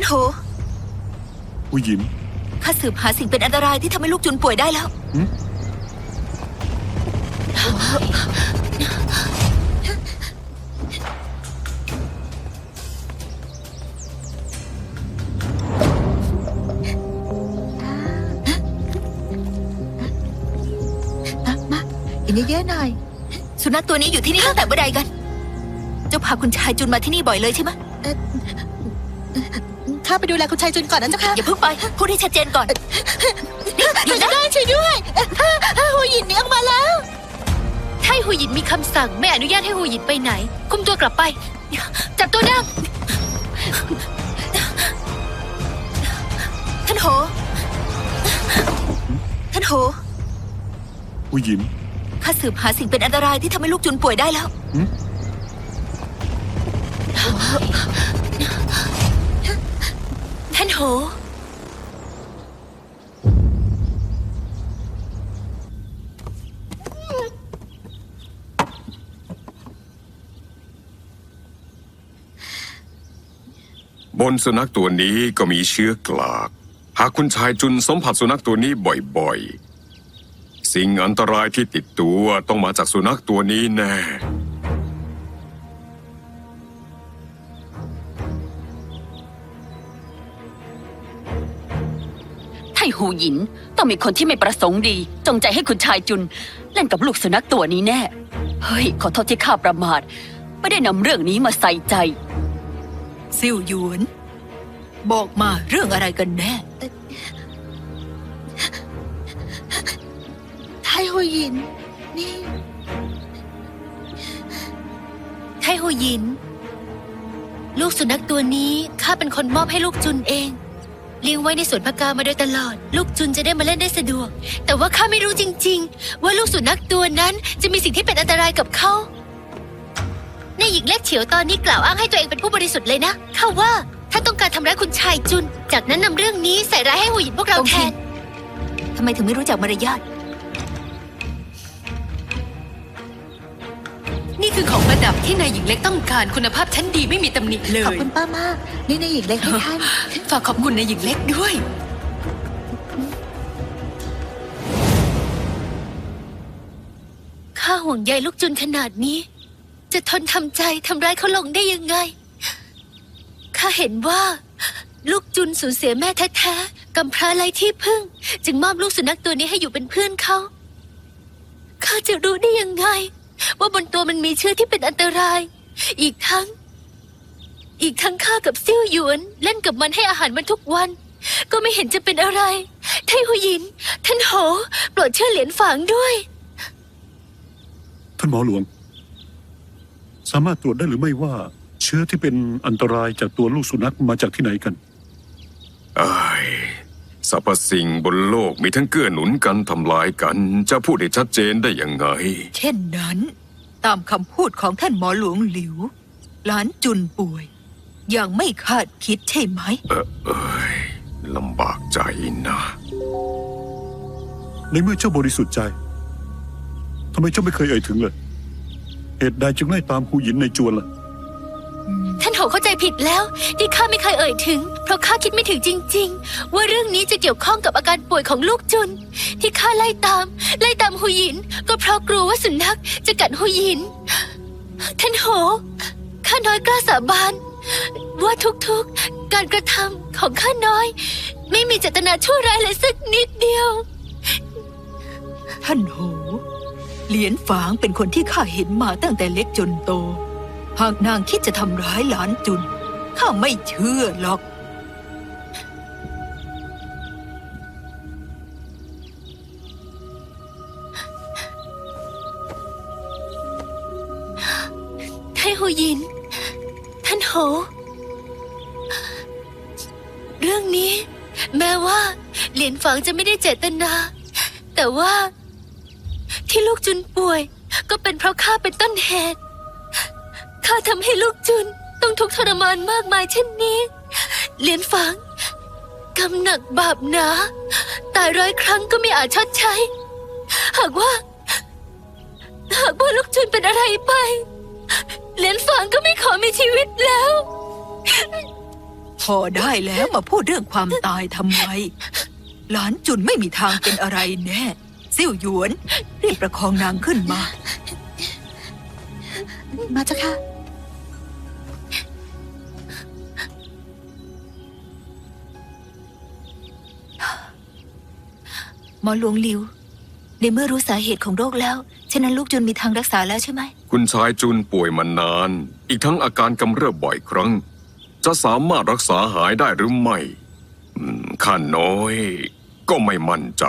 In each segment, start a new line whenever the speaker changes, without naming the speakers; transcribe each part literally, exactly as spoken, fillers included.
โถ
หูหยิน
ข้าสืบหาสิ่งเป็นอันตรายที่ทำให้ลูกจุนป่วยได้แล้ว
มาอีกนิดเยอะหน่อย
สุนัขตัวนี้อยู่ที่นี่ตั้งแต่เมื่อใดกันเจ้าพาคุณชายจุนมาที่นี่บ่อยเลยใช่ไหม
ข้าไปดูแลคุณชายจุนก่อนนะเจ้าค่ะ
อย่าเพิ่งไปพูดให้ชัดเจนก่อน
หยุดได้ช่วยด้วยหูหยินหนีออกมาแล้ว
ถ้าหูหยินมีคำสั่งไม่อนุญาตให้หูหยินไปไหนคุมตัวกลับไปจับตัวนาง
ท่านโหท่านโห
หูหยิน
ข้าสืบหาสิ่งเป็นอันตรายที่ทำให้ลูกจุนป่วยได้แล้วท่านโห
บนสุนัขตัวนี้ก็มีเชื้อกลากหากคุณชายจุนสัมผัสสุนัขตัวนี้บ่อยๆสิ่งอันตรายที่ติดตัวต้องมาจากสุนัขตัวนี้แน่
ไทหูหยินต้องมีคนที่ไม่ประสงค์ดีจงใจให้คุณชายจุนเล่นกับลูกสุนัขตัวนี้แน่เฮ้ยขอโทษที่ข้าประมาทไม่ได้นำเรื่องนี้มาใส่ใจ
ซิ่วหยวนบอกมาเรื่องอะไรกันแน่
ไทหูหยินนี่
ไทหูหยินลูกสุนัขตัวนี้ข้าเป็นคนมอบให้ลูกจุนเองเลี้ยงไว้ในสวนผักกามาโดยตลอดลูกจุนจะได้มาเล่นได้สะดวกแต่ว่าข้าไม่รู้จริงๆว่าลูกสุนัขตัวนั้นจะมีสิ่งที่เป็นอันตรายกับเขาในหญิงเล็กเฉียวตอนนี้กล่าวอ้างให้ตัวเองเป็นผู้บริสุทธิ์เลยนะข้าว่าท่านต้องการทำร้ายคุณชายจุนจากนั้นนำเรื่องนี้ใส่ร้ายให้หูหยินพวกเราแทน
ทำไมถึงไม่รู้จักมารยาท
นี่คือของประดับที่นายหญิงเล็กต้องการคุณภาพชั้นดีไม่มีตำหนิเลย
ขอบคุณป้ามากนี่นายหญิงเล็กให้ท่าน
ฝากขอบคุณนายหญิงเล็กด้วยข้าห่วงใยลูกจุนขนาดนี้จะทนทำใจทำร้ายเขาลงได้ยังไงข้าเห็นว่าลูกจุนสูญเสียแม่แท้ๆกำพร้าไร้ที่พึ่งจึงมอบลูกสุนัขตัวนี้ให้อยู่เป็นเพื่อนเขาข้าจะรู้ได้ยังไงว่าบนตัวมันมีเชื้อที่เป็นอันตรายอีกทั้งอีกทั้งข้ากับซิ่วหยวนเล่นกับมันให้อาหารมันทุกวันก็ไม่เห็นจะเป็นอะไรไทหูหยินท่านโหโปรดเชื่อเหรียญฝางด้วย
ท่านหมอหลวงสามารถตรวจได้หรือไม่ว่าเชื้อที่เป็นอันตรายจากตัวลูกสุนัขมาจากที่ไหนกัน
ไอ้สรรพสิ่งบนโลกมีทั้งเกื้อหนุนกันทำลายกันจะพูดได้ชัดเจนได้ยังไง
เช่นนั้นตามคำพูดของท่านหมอหลวงหลิวหลานจุนป่วยอย่างไม่คาดคิดใช่ไหม
เออเอยลำบากใจนะ
ในเมื่อเจ้าบริสุทธิ์ใจทำไมเจ้าไม่เคยเอ่ยถึงเลยเหตุใดจึงไล่ตามหูหยินในจวนล่ะ
ท่านโหเข้าใจผิดแล้วที่ข้าไม่เคยเอ่ยถึงเพราะข้าคิดไม่ถึงจริงๆว่าเรื่องนี้จะเกี่ยวข้องกับอาการป่วยของลูกจุนที่ข้าไล่ตามไล่ตามหูหยินก็เพราะกลัวว่าสุนัขจะกัดหูหยินท่านโหข้าน้อยกล้าสาบานว่าทุกๆการกระทำของข้าน้อยไม่มีเจตนาชั่วร้ายเลยสักนิดเดียว
ท่านโหเหรียญฝางเป็นคนที่ข้าเห็นมาตั้งแต่เล็กจนโตหากนางคิดจะทำร้ายหลานจุนข้าไม่เชื่อหรอก
ไทหูหยินท่านโหเรื่องนี้แม้ว่าเหรียญฝางจะไม่ได้เจตนาแต่ว่าที่ลูกจุนป่วยก็เป็นเพราะข้าเป็นต้นเหตุข้าทำให้ลูกจุนต้องทุกข์ทรมานมากมายเช่นนี้เหรียญฝางกรรมหนักบาปหนาตายร้อยครั้งก็ไม่อาจชดใช้หากว่าหากว่าลูกจุนเป็นอะไรไปเหรียญฝางก็ไม่ขอมีชีวิตแล้ว
พอได้แล้วมาพูดเรื่องความตายทำไม หลานจุนไม่มีทางเป็นอะไรแน่ซิ่วหยวนรีบประคองนางขึ้นมา
มาเจ้าค่ะ
หมอหลวงหลิว ในเมื่อรู้สาเหตุของโรคแล้ว ฉะนั้นลูกจุนมีทางรักษาแล้วใช่ไหม
คุณชายจุนป่วยมานาน อีกทั้งอาการกำเริบบ่อยครั้ง จะสามารถรักษาหายได้หรือไม่อืมข้าน้อย ก็ไม่มั่นใจ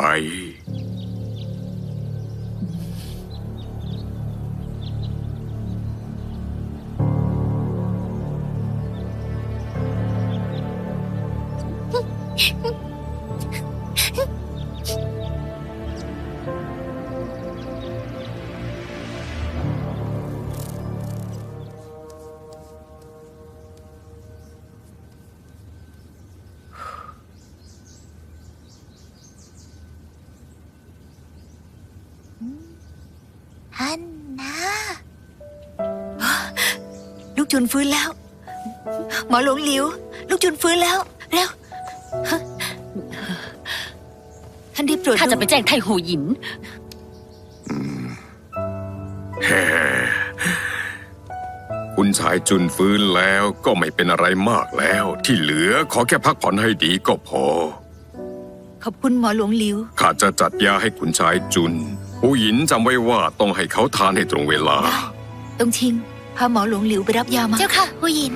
ท่านนะ
ลูกจุนฟื้นแล้ว หมอหลวงหลิว ลูกจุนฟื้นแล้วเร็วฮะท่านรีบตรวจ
ข้าจะไป
ดู
แจ้งไทหูหยิน
แฮ่คุณชายจุนฟื้นแล้วก็ไม่เป็นอะไรมากแล้ว ที่เหลือขอแค่พักผ่อนให้ดีก็พอ
ขอบคุณหมอหลวงหลิว
ข้าจะจัดยาให้คุณชายจุน ผู้หญินจำไว้ว่าต้องให้เขาทานให้ตรงเวลา
ได้ตรงชิง พาหมอหลวงหลิวไปรับยามา
เจ้าค่ะผู้หญิน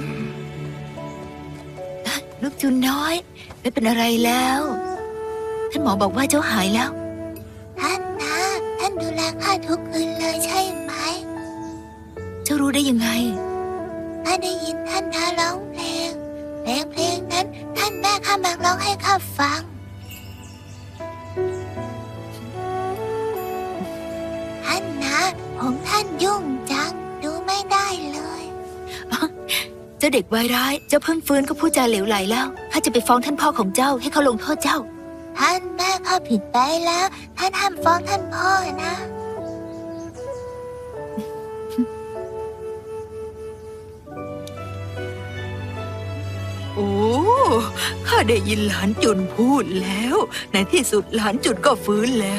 ลูกจุนน้อย ไม่เป็นอะไรแล้ว ท่านหมอบอกว่าเจ้าหายแล้ว
ท่านนะท่านดูแลข้าทุกคืนเลยใช่ไหม
เจ้ารู้ได้ยังไง
ข้าได้ยินท่านนะร้องเพลง เพลงเพลงนั้นท่านแม่ข้ามักร้องให้ข้าฟัง ท่านนะผมท่านยุ่งจัง ดูไม่ได้เลย
เจ้าเด็กวายร้าย เจ้าเพิ่งฟื้นก็พูดจาเหลวไหลแล้วข้าจะไปฟ้องท่านพ่อของเจ้าให้เขาลงโทษเจ้า
ท่านแม่ข้าผิดไปแล้ว ท่านห้ามฟ้องท่านพ่อนะ
โอ้ ข้าได้ยินหลานจุนพูดแล้ว ในที่สุดหลานจุนก็ฟื้นแล้ว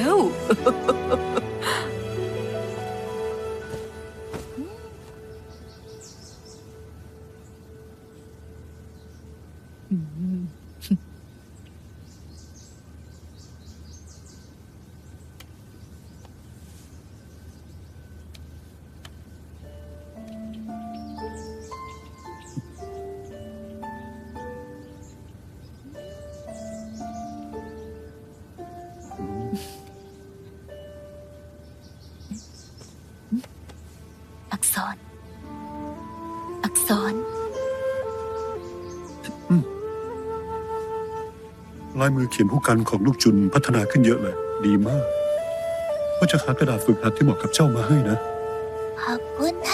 อักษร อักษร
ลายมือเขียนผู้กันของลูกจุนพัฒนาขึ้นเยอะเลย ดีมาก ก็จะหากระดาษฝึกหัดที่เหมาะกับเจ้ามาให้นะ
ขอบคุณท่าน